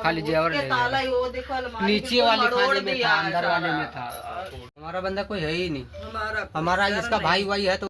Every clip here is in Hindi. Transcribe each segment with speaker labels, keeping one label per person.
Speaker 1: खाली जेवर ले गया। नीचे वाले खाने में था, अंदर वाले में था। हमारा बंदा कोई है ही नहीं, हमारा इसका भाई वाई है तो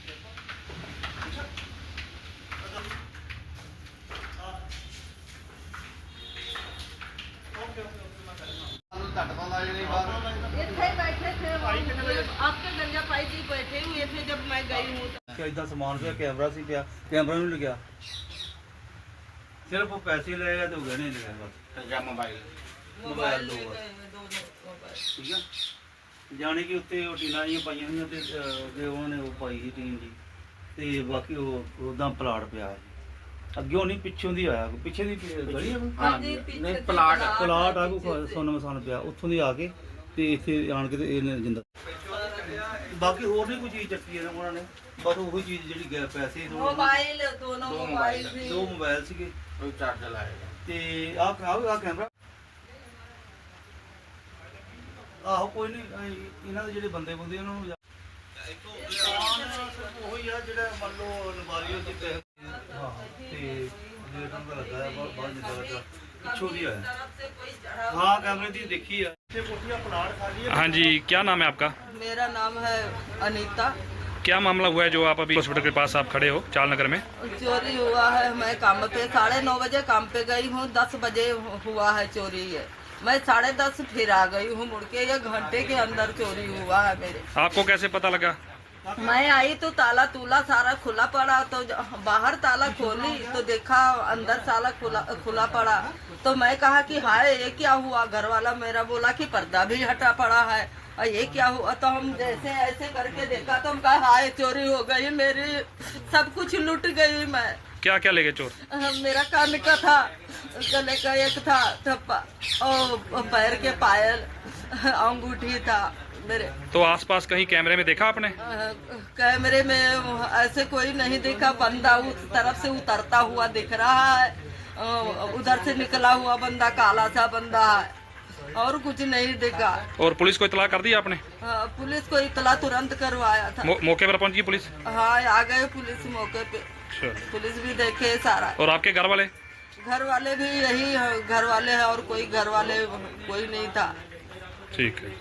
Speaker 2: आपके गंजा पाई जी बैठे हुए थे जब मैं गई हूँ।
Speaker 3: इतना सामान पे कैमरा सी पे कैमरा नहीं लगा, सिर्फ वो पैसे लगेगा तो गहने लगेगा बस मोबाइल दो ठीक है। जाने कि उत्ते टीना जी पाई हुई ते उन्होंने वो पाई ही टीन जी ते बाकी वो उदा प्लाट पिया अगे नहीं पिछों दी आया पिछे दी गली है नहीं प्लाट आ को सोना मसान पिया उत्थों दी आके ते इत्थे आन के ते इन्हें जिंदा बाकी होर नहीं कोई चीज़ चक्की है उन्होंने बस वही चीज़ जी पैसे
Speaker 2: मोबाइल दो
Speaker 3: मोबाइल सीगे चार्जर लाएगा ते आ कैमरा आहो कोई नहीं इन्हों के जो बंदे बुंदे उन्होंने मान लो नबारी पिछों भी आया हाँ कैमरे की देखी है।
Speaker 4: हाँ जी, क्या नाम है आपका?
Speaker 2: मेरा नाम है अनीता।
Speaker 4: क्या मामला हुआ है जो आप अभी हॉस्पिटल के पास आप खड़े हो चाल नगर में?
Speaker 2: चोरी हुआ है, मैं काम पे 9:30 बजे काम पे गई हूँ, 10 बजे हुआ है चोरी है। मैं 10:30 फिर आ गई हूँ मुड़ के, 1 घंटे के अंदर चोरी हुआ है मेरे।
Speaker 4: आपको कैसे पता लगा?
Speaker 2: मैं आई तो ताला तूला सारा खुला पड़ा, तो बाहर ताला खोली तो देखा अंदर ताला खुला पड़ा, तो मैं कहा कि हाय ये क्या हुआ। घर वाला मेरा बोला कि पर्दा भी हटा पड़ा है और ये क्या हुआ। तो हम जैसे ऐसे करके देखा तो हम कहा हाय चोरी हो गई मेरी, सब कुछ लूट गई मैं।
Speaker 4: क्या क्या ले गए चोर?
Speaker 2: मेरा कान का था, गले का एक था, और पैर के पायल, अंगूठी था मेरे।
Speaker 4: तो आसपास कहीं कैमरे में देखा आपने?
Speaker 2: कैमरे में ऐसे कोई नहीं देखा, बंदा उस तरफ से उतरता हुआ दिख रहा है, उधर से निकला हुआ बंदा काला सा बंदा है, और कुछ नहीं देखा।
Speaker 4: और पुलिस को इतला कर दी आपने?
Speaker 2: पुलिस को इतला तुरंत करवाया था।
Speaker 4: मौके पर पहुंची पुलिस?
Speaker 2: हाँ आ गए पुलिस मौके पे, पुलिस भी देखे सारा।
Speaker 4: और आपके घर वाले?
Speaker 2: घर वाले भी यही घर वाले हैं, और कोई घर वाले कोई नहीं था।
Speaker 4: ठीक है।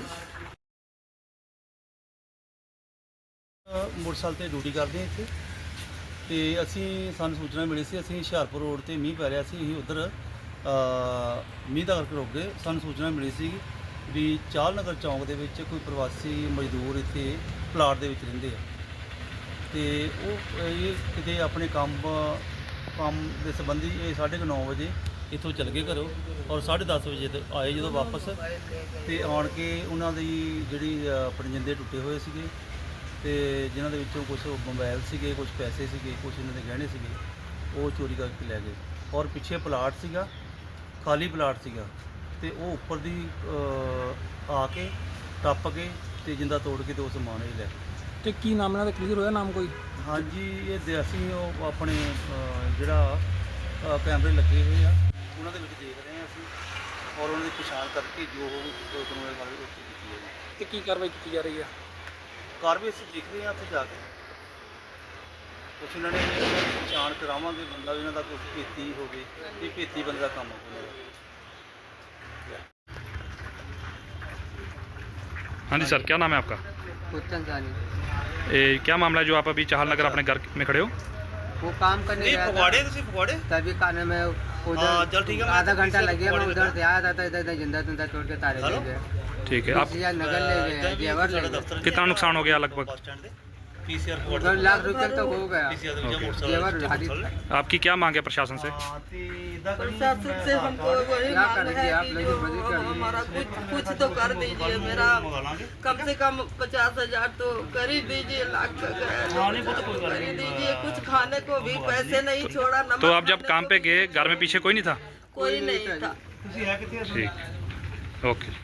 Speaker 3: मोटरसाइकिल ਤੇ ਡਿਊਟੀ ਕਰਦੇ ਹਾਂ ਇੱਥੇ ਤੇ ਅਸੀਂ ਸਾਨੂੰ ਸੂਚਨਾ ਮਿਲੀ ਸੀ, ਅਸੀਂ ਹੁਸ਼ਿਆਰਪੁਰ ਰੋਡ ਤੇ ਮੀਂਹ ਪੈ ਰਿਹਾ ਸੀ, ਅਸੀਂ ਉਧਰ ਮੀਂਹ ਦਾ ਕਰਕੇ ਰੁਕ ਗਏ। ਸਾਨੂੰ ਸੂਚਨਾ ਮਿਲੀ ਸੀ ਵੀ ਚਾਲ ਨਗਰ ਚੌਂਕ ਦੇ ਵਿੱਚ ਕੋਈ ਪ੍ਰਵਾਸੀ ਮਜ਼ਦੂਰ ਇੱਥੇ ਪਲਾਟ ਦੇ ਵਿੱਚ ਰਹਿੰਦੇ ਆ ਤੇ ਉਹ ਇਹ ਕਿਤੇ ਆਪਣੇ ਕੰਮ ਦੇ ਸੰਬੰਧੀ ਇਹ 9:30 ਵਜੇ ਇੱਥੋਂ ਚਲ ਗਏ ਘਰੋਂ, ਔਰ 10:30 ਵਜੇ ਤੇ ਆਏ ਜਦੋਂ ਵਾਪਸ ਤੇ ਆਣ ਕੇ ਉਹਨਾਂ ਦੀ ਜਿਹੜੀ ਆਪਣੇ ਜਿੰਦੇ ਟੁੱਟੇ ਹੋਏ ਸੀਗੇ ਤੇ ਜਿਨ੍ਹਾਂ ਦੇ ਵਿੱਚੋਂ ਕੁਝ ਮੋਬਾਈਲ ਸੀਗੇ, ਕੁਝ ਪੈਸੇ ਸੀਗੇ, ਕੁਝ ਇਹਨਾਂ ਦੇ ਗਹਿਣੇ ਸੀਗੇ, ਉਹ ਚੋਰੀ ਕਰਕੇ ਲੈ ਗਏ। ਔਰ ਪਿੱਛੇ ਪਲਾਟ ਸੀਗਾ, ਖਾਲੀ ਪਲਾਟ ਸੀਗਾ ਤੇ ਉਹ ਉੱਪਰ ਦੀ ਆ ਕੇ ਟੱਪ ਕੇ ਤੇ ਜਿੰਦਾ ਤੋੜ ਕੇ ਤੇ ਉਹ ਸਮਾਨ ਹੀ ਲੈ ਗਏ।
Speaker 1: ਤੇ ਕੀ ਨਾਮ ਇਹਨਾਂ ਦਾ ਕਲੀਅਰ ਹੋਇਆ? ਨਾਮ ਕੋਈ?
Speaker 3: ਹਾਂਜੀ ਇਹ ਅਸੀਂ ਉਹ ਆਪਣੇ ਜਿਹੜਾ ਕੈਮਰੇ ਲੱਗੇ ਹੋਏ ਆ ਉਹਨਾਂ ਦੇ ਵਿੱਚ ਦੇਖ ਰਹੇ ਹਾਂ ਅਸੀਂ, ਔਰ ਉਹਨਾਂ ਦੀ ਪਛਾਣ ਕਰਕੇ ਜੋ ਕਾਨੂੰਨੀ ਕਾਰਵਾਈ ਉਹ ਕੀਤੀ ਹੈ।
Speaker 1: ਤੇ ਕੀ ਕਾਰਵਾਈ ਕੀਤੀ ਜਾ ਰਹੀ ਹੈ?
Speaker 3: ਕਾਰਵਾਈ ਅਸੀਂ ਦੇਖ ਰਹੇ ਹਾਂ ਉੱਥੇ ਜਾ ਕੇ, ਕੁਛ ਇਹਨਾਂ ਨੇ ਪਛਾਣ ਕਰਾਵਾਂਗੇ ਬੰਦਾ ਵੀ ਇਹਨਾਂ ਦਾ ਕੁਛ ਭੇਤੀ ਹੋਵੇ, ਇਹ ਭੇਤੀ ਬੰਦੇ ਦਾ ਕੰਮ ਹੋਵੇ।
Speaker 4: हाँ जी सर, क्या नाम है आपका?
Speaker 1: कुत्तन जानी।
Speaker 4: क्या मामला है जो आप अभी चाहल नगर अपने घर में खड़े हो?
Speaker 1: वो काम करने गया था,
Speaker 3: पकौड़े
Speaker 1: तभी खाने में उधर
Speaker 3: चल ठीक है,
Speaker 1: आधा घंटा लगे, मैं उधर से आया था, इधर जिंदा तिंदा तोड़ के तारे ले गए।
Speaker 4: ठीक है। आप
Speaker 1: नगर ले गए, जेवर ले गए।
Speaker 4: कितना नुकसान हो गया लगभग?
Speaker 1: उधर लाख रुपये तक हो गया। जेवर भारी था।
Speaker 4: आपकी क्या मांग है प्रशासन से?
Speaker 2: प्रशासन से हमको वही
Speaker 1: क्या
Speaker 2: मांग
Speaker 1: करेंगे
Speaker 2: है
Speaker 1: आप
Speaker 2: कि
Speaker 1: लोग? मदद कर दीजिए।
Speaker 2: हमारा कुछ तो कर दीजिए, मेरा कम से कम 50,000 तो कर ही दीजिए, लाख का कर ही दीजिए। कुछ खाने को भी पैसे नहीं छोड़ा।
Speaker 4: तो आप जब काम पे गए घर में पीछे कोई नहीं था?
Speaker 2: कोई नहीं था।
Speaker 4: ठीक, ओके।